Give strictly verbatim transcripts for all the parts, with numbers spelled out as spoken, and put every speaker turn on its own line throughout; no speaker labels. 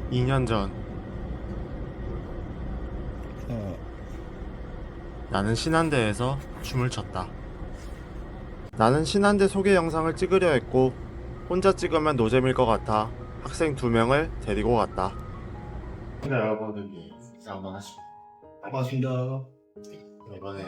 이 년 전
어.
나는 신한대에서 춤을 췄다. 나는 신한대 소개 영상을 찍으려 했고 혼자 찍으면 노잼일 것 같아 학생 두 명을 데리고 갔다. 네, 여러분들이 한번 하시고
반갑습니다.
이번에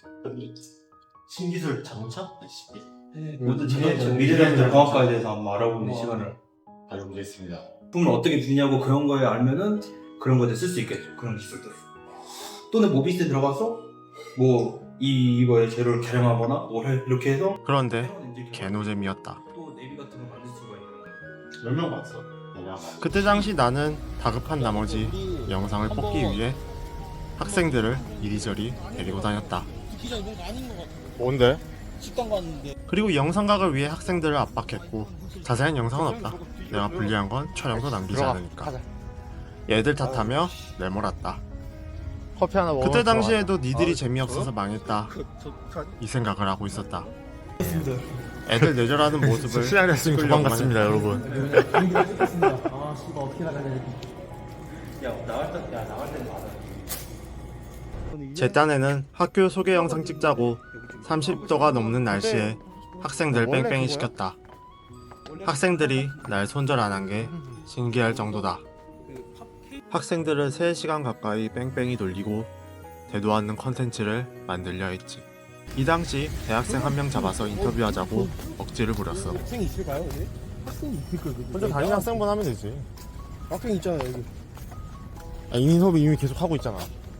신기술 자동차
네,
모든
미래
전-
미래자동차 공학과에 대해서 한번 알아보는
어.
시간을
가져보겠습니다.
품을 어떻게 주냐고 그런 거에 알면은 그런 거에 쓸 수 있겠죠. 그런 기술들. 또는 모비스에 들어가서 뭐 이 이거의 재료를 개량하거나 뭐 해- 이렇게 해서
그런데
새로운 엔진 개발,
개노잼이었다.
또 내비 같은 거 만들 수가 있는.
몇 명 봤어? 그때 당시 나는 다급한 나머지 영상을 뽑기 위해 학생들을 이리저리 데리고 다녔다.
기자 이런 거 아닌 것 같아.
뭔데?
식당 갔는데.
그리고 영상각을 위해 학생들을 압박했고 자세한 영상은 없다. 내가 불리한 건 촬영도 남기지 않으니까. 얘들 탓하며 내몰았다.
커피 하나 먹어.
그때 당시에도 니들이 재미없어서 망했다 이 생각을 하고 있었다. 애들 내절하는 모습을
시간했으면
찍으려고만
도망갔습니다,
했다.
여러분.
아, 씨발 어떻게 나가야 돼?
야 나갈 때, 야 나갈 때는 맞아.
제 딴에는 학교 소개 영상 찍자고 삼십 도가 넘는 날씨에 학생들 뺑뺑이 시켰다. 학생들이 날 손절 안 한 게 신기할 정도다. 학생들은 세 시간 가까이 뺑뺑이 돌리고 되도 않는 컨텐츠를 만들려 했지. 이 당시 대학생 한 명 잡아서 인터뷰하자고 억지를 부렸어.
학생이 있을까요, 여기? 학생이 있을 거예요.
혼자 다니는 학생분 하면 되지.
학생 있잖아요, 여기.
아, 이민 수업이 이미 계속 하고 있잖아.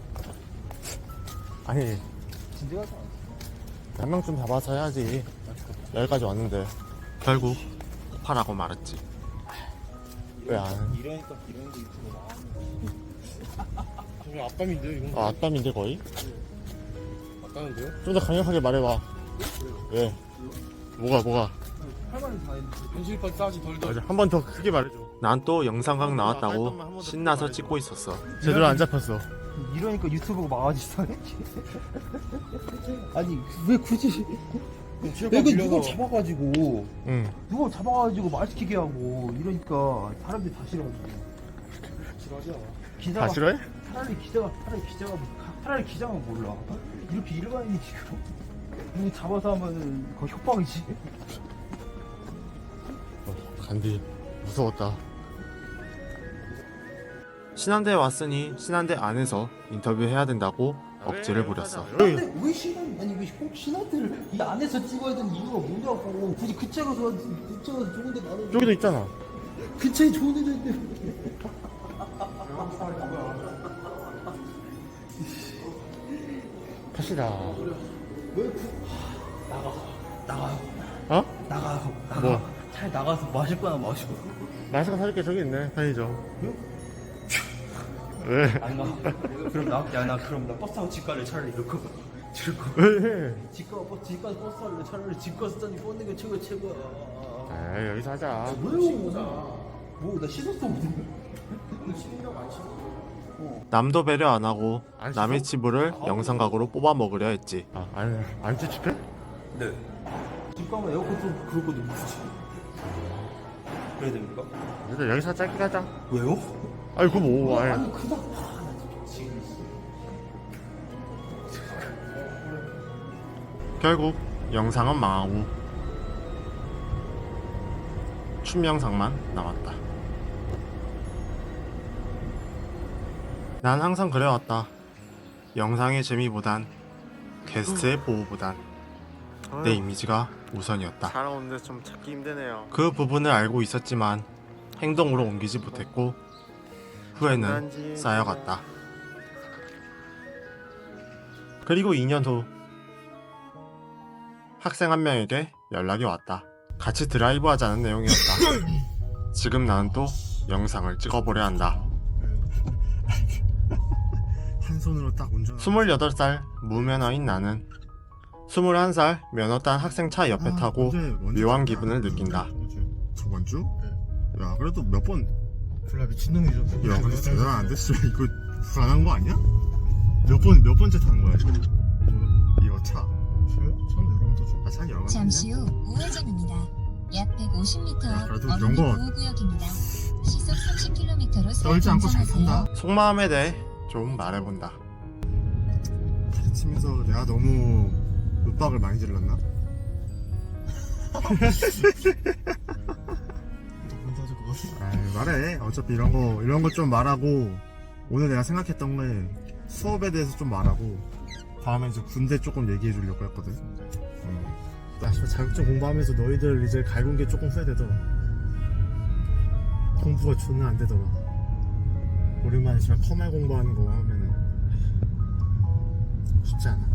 아니,
진짜 가서
한 명쯤 잡아서 해야지. 여기까지 왔는데.
결국 폭발하고 말았지.
왜 안?
이러니까 이런 거 유튜브 나와. 저 앞담인데요, 이건?
아, 앞담인데 거의?
앞담인데요?
좀 더 강력하게 말해봐. 왜? 뭐가, 뭐가?
할 말은 다 했는데. 현실까지 싸지 덜덜.
맞아, 한 번 더 크게 말해줘.
난 또 영상각 나왔다고 신나서 찍고 있었어.
제대로 안 잡혔어.
이러니까 유튜브가 망하지상해? 아니 왜 굳이 내가 누굴 잡아가지고
응.
누굴 잡아가지고 말 시키게 하고 이러니까 사람들이 다 싫어하지. 싫어하지 않아. 기자가
다 싫어해?
차라리 기자가 차라리 기자가 차라리 기자가 몰라. 이렇게 일반인이 지금 누구 잡아서 하면 그거 협박이지.
어, 간디. 무서웠다.
신한대에 왔으니 신한대 안에서 인터뷰해야 된다고 억지를 부렸어.
근데 왜 신한 아니 왜 꼭 신한테를 이 안에서 찍어야 되는 이유가 뭐냐고. 굳이 그 차가 서 그 차가 좋은데 나는
저기도 있잖아.
그 차에 좋은 애인데
탓이다.
왜 그... 나가 나가요
어?
나가요 나가
뭐?
차에 나가서 마실 거나 마시고
마스크 사줄게. 저기 있네. 편의점. 왜?
안 가. 그럼 나, 야, 나 그럼 나 버스 타고 집 갈래 차라리 이렇게 이렇게
왜?
집 가, 버스 집까지 버스 탈래 차라리 집 가서 짠이 뻗는 게 최고 최고야.
아, 여기서 하자.
왜요? 뭐나 씻었어 오늘. 씻는다고 안 씻어?
남도 배려 안 하고
안 씻어?
남의 치부를 영상각으로 뽑아 먹으려 했지.
아, 안, 안 찝찝해?
네. 집 가면 에어컨 좀 그럴 거도 굳이. 그래야 됩니까?
그래도 여기서 짧게 가자.
왜요?
아이, 그거 뭐, 아이.
아니 그냥 아, 나 지금
결국 영상은 망하고 춤 영상만 남았다. 난 항상 그래왔다. 영상의 재미보단 게스트의 보호보단 내 이미지가 우선이었다.
살아오는데 좀 찾기 힘드네요.
그 부분을 알고 있었지만 행동으로 옮기지 못했고 후회는 쌓여갔다. 그리고 이 년 후 학생 한 명에게 연락이 왔다. 같이 드라이브 하자는 내용이었다. 지금 나는 또 영상을 찍어보려 한다.
한 손으로 딱 운전.
스물여덟 살 무면허인 나는 스물한 살 면허 딴 학생 차 옆에 타고 묘한 기분을 느낀다.
저번 주? 야, 그래도 몇 번.
졸라 미친놈이죠.
야, 근데 대단 안 됐어. 이거 불안한 거 아니야? 몇 번, 몇 번째 타는 거야, 이거? 이거 차.
저요? 저는 여러 번 타죠.
아, 차 여러 번
잠시 후 우회전입니다. 약 백오십 미터
야, 그래도
어린이
이런 거-
보호구역입니다. 시속 삼십 킬로미터로
떨지 않고 잘 산다.
속마음에 대해 좀 말해본다.
가르치면서 내가 너무 윽박을 많이 질렀나? 너 혼자 줄 것 같아. 아이, 말해. 어차피 이런 거 이런 거 좀 말하고 오늘 내가 생각했던 게 수업에 대해서 좀 말하고 다음에 이제 군대 조금 얘기해 주려고 했거든. 음. 나 씨발 자격증 공부하면서 너희들 이제 갈군 게 조금 후회되더라. 공부가 존나 안 되더라. 오랜만에 씨발 커말 공부하는 거 하면은 쉽지 않아.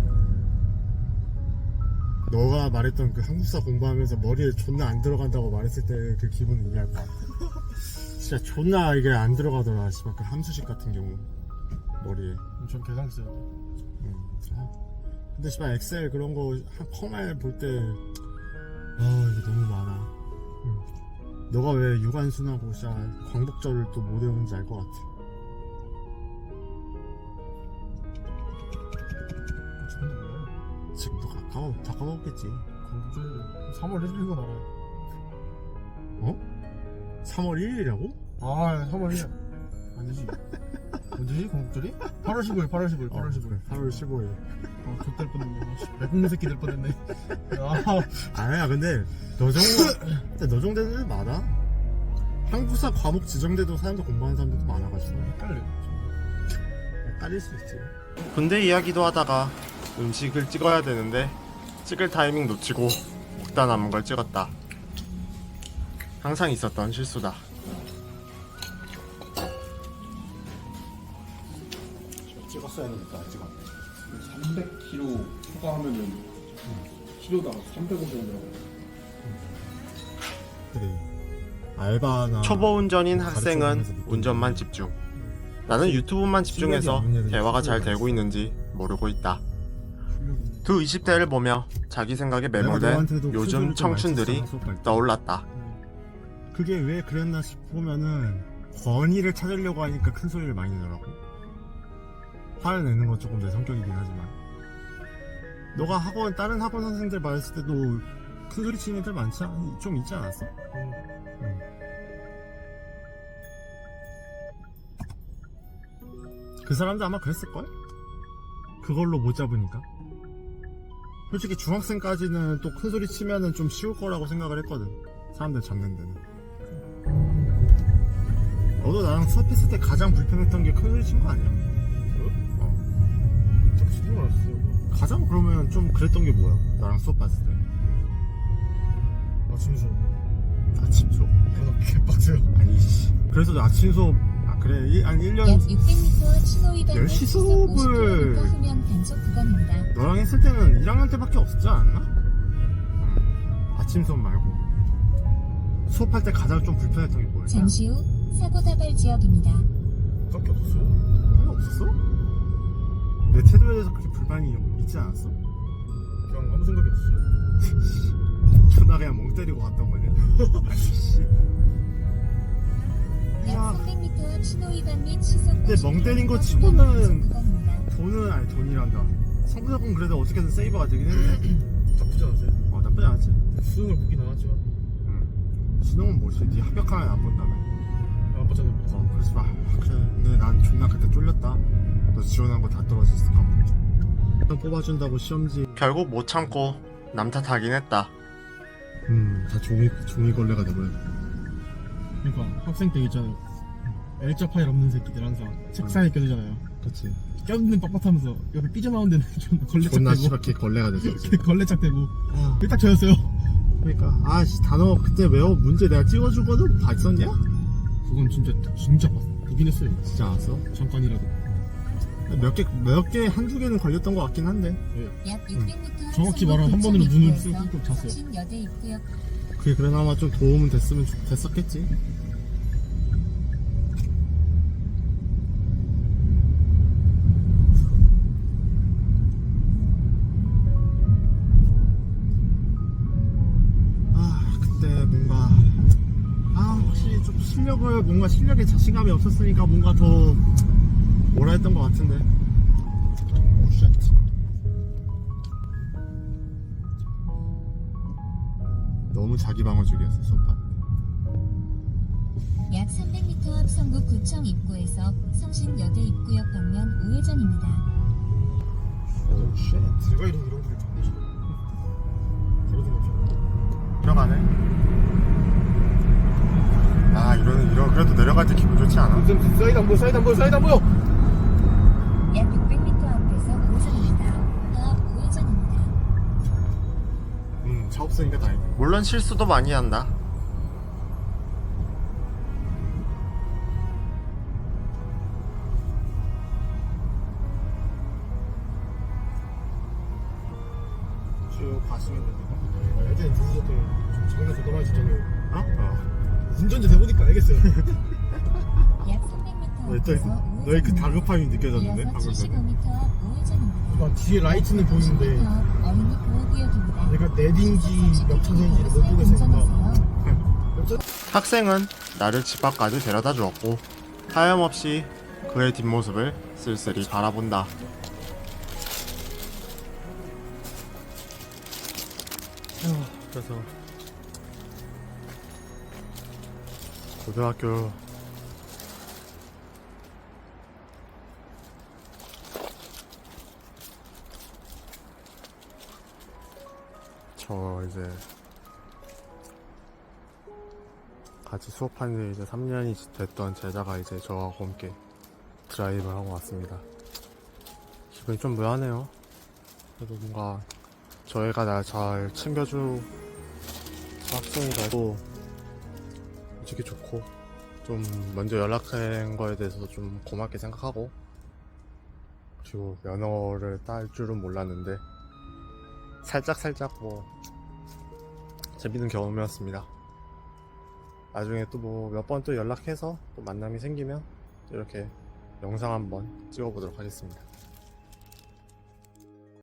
너가 말했던 그 한국사 공부하면서 머리에 존나 안 들어간다고 말했을 때 그 기분은 이해할 것 같아. 진짜 존나 이게 안 들어가더라. 씨발 그 함수식 같은 경우 머리에.
전 계산 써야 돼.
음. 아. 근데 씨발 엑셀 그런 거 한 커말 볼 때 아 이게 너무 많아. 음. 너가 왜 유관순하고 씨발 광복절을 또 못 외우는지 알 것 같아. 지금 너 가까워 다 까먹었겠지.
광복절 삼월 일 일이고 나라.
어? 삼월 일일이라고?
아 삼월 일 일. 아니지. 언제지 광복절이? 팔월 십오일, 팔월 십오일, 팔월 십오일.
팔월 십오일.
아, 좆될 뻔했네. 외국인 새끼 될 뻔했네. 아,
아니야 근데 너 정도 근데 너 정도 되는 많아. 한국사 과목 지정돼도 사람들 공부하는 사람들도 많아가지고
헷갈려.
딸릴 수 있지.
군대 이야기도 하다가 음식을 찍어야 되는데 찍을 타이밍 놓치고 먹다 남은 걸 찍었다. 항상 있었던 실수다.
찍었어야 하니까 찍었네.
삼백 킬로미터 초과하면은 키로당 삼백오십 원이라고.
그래. 알바나
초보 운전인 학생은
가르쳐주면서 느끼는
운전만 집중. 나는 유튜브만 집중해서
실력이 없는
대화가 잘
애들이
되고 있는지 모르고 있다. 두 이십 대를 보며 자기 생각에
내가
매몰된
너한테도
요즘
큰 소리를 좀
청춘들이
많이 썼잖아, 수업할 때.
떠올랐다.
그게 왜 그랬나 싶으면은 권위를 찾으려고 하니까 큰 소리를 많이 내더라고. 화를 내는 건 조금 내 성격이긴 하지만 너가 학원 다른 학원 선생님들 봤을 때도 큰 소리 치는 애들 많지 않, 좀 있지 않았어? 응. 그 사람도 아마 그랬을걸? 그걸로 못 잡으니까. 솔직히 중학생까지는 또 큰 소리 치면은 좀 쉬울 거라고 생각을 했거든. 사람들 잡는 데는. 너도 나랑 수업했을 때 가장 불편했던 게 큰 소리 친 거 아니야? 어.
딱 신경 안 썼어요.
가장 그러면 좀 그랬던 게 뭐야? 나랑 수업했을 때.
아침 수업.
아침 수업.
아, 개빡세요.
아니, 씨. 그래서 나 아침 수업, 아, 그래. 일, 한 일 년
약 육백 미터 신호 위반
열 시 수업을
후면 단속 구간입니다.
너랑 했을 때는 일 학년 때밖에 없었지 않았나? 응. 아침 수업 말고. 수업할 때 가장 좀 불편했던 게 뭐야?
잠시 후 사고 다발 지역입니다.
딱히 없었어요.
그게 없었어? 내 태도에 대해서 그렇게 불만이 있지 않았어?
그냥 아무 생각이 없었어요.
존나 그냥 멍 때리고 갔던 거냐? 아이씨.
약 삼백 미터 앞 신호 위반 및 시속
근데 멍 때린 거
오십 킬로미터
치고는
단속 구간입니다.
돈은, 아니 돈이란다. 성부작은 그래도 어떻게든 세이버가 되긴 했네.
나쁘지 않았어요.
어, 나쁘지 않았지.
수능을 보긴 안 왔지만
응. 신호는 뭐지? 네 합격하면 안 본다며.
안 봤잖아요.
어, 그러지 마. 그래. 근데 난 존나 그때 쫄렸다. 너 지원한 거 다 떨어졌을까 봐. 뽑아준다고 시험지.
결국 못 참고 남 탓하긴 했다.
음, 다 종이, 종이 걸레가 돼버렸네.
그러니까 학생 때 있잖아요. L자 파일 없는 새끼들 항상 책상에 껴들잖아요.
그치.
껴드는 빡빡하면서 여기 삐져나온 데는 좀 걸레짝
존나
대고
씨발 개 걸레가 됐어. 그치?
걸레짝 대고
아,
그게 딱 저였어요.
그러니까 아씨 단어 그때 외워 문제 내가 찍어준 거는 봤었냐?
그건 진짜 진짜 봤, 보긴 했어요.
진짜 알았어?
잠깐이라도.
몇 개, 몇 개, 한두 개는 걸렸던 것 같긴 한데.
약 육백 미터
정확히 말하면 한 번으로 눈을 쑥 잤어요.
여대 입구역
그게 그나마 좀 도움은 됐으면 좋, 됐었겠지. 아, 그때 뭔가, 아, 확실히 좀 실력을, 뭔가 실력에 자신감이 없었으니까 뭔가 더 뭐라 했던 것 같은데. 오, 쉣. 너무 자기 방어적이었어, 소파.
약 삼백 미터 앞 성북 구청 입구에서 성신여대 입구역 방면 우회전입니다.
오, 쉣. 내가 이런 이런 길을 잡지. 그러지 마. 들어가네. 아, 이런 이런 그래도 내려갈 때 기분 좋지 않아?
쌤 사이드 안 보여 사이드 안 보여 사이드 안 보여.
약 육백 미터 앞에서 우회전입니다. 앞 우회전입니다.
음, 차 없으니까 다행이야.
물론 실수도 많이 한다.
쭉 가시면 됩니다. 예전에 누구셨던 좀 장난 저도 많이 쳤잖아요. 어? 어. 운전자 돼보니까 알겠어요.
약 삼백 미터
너의,
앞에서
또- 너의 그 다급함이 느껴졌는데?
이어서
방금
칠십오
전에.
미터 앞 우회전입니다.
아, 뒤에 라이트는 보이는데
칠십 미터 앞 어린이 보호구역입니다.
내가 내딘지 몇 차선인지를 못 보겠으니까
운전하세요.
학생은 나를 집 앞까지 데려다 주었고 하염없이 그의 뒷모습을 쓸쓸히 바라본다. 그래서 고등학교 저 이제 같이 수업한 지 이제 삼 년이 됐던 제자가 이제 저와 함께 드라이브를 하고 왔습니다. 기분이 좀 묘하네요. 그래도 뭔가 저희가 날 잘 챙겨줄 학생이라도 솔직히 좋고 좀 먼저 연락한 거에 대해서 좀 고맙게 생각하고 그리고 면허를 딸 줄은 몰랐는데 살짝살짝 뭐 재밌는 경험이었습니다. 나중에 또 뭐 몇 번 또 연락해서 또 만남이 생기면 이렇게 영상 한번 찍어보도록 하겠습니다.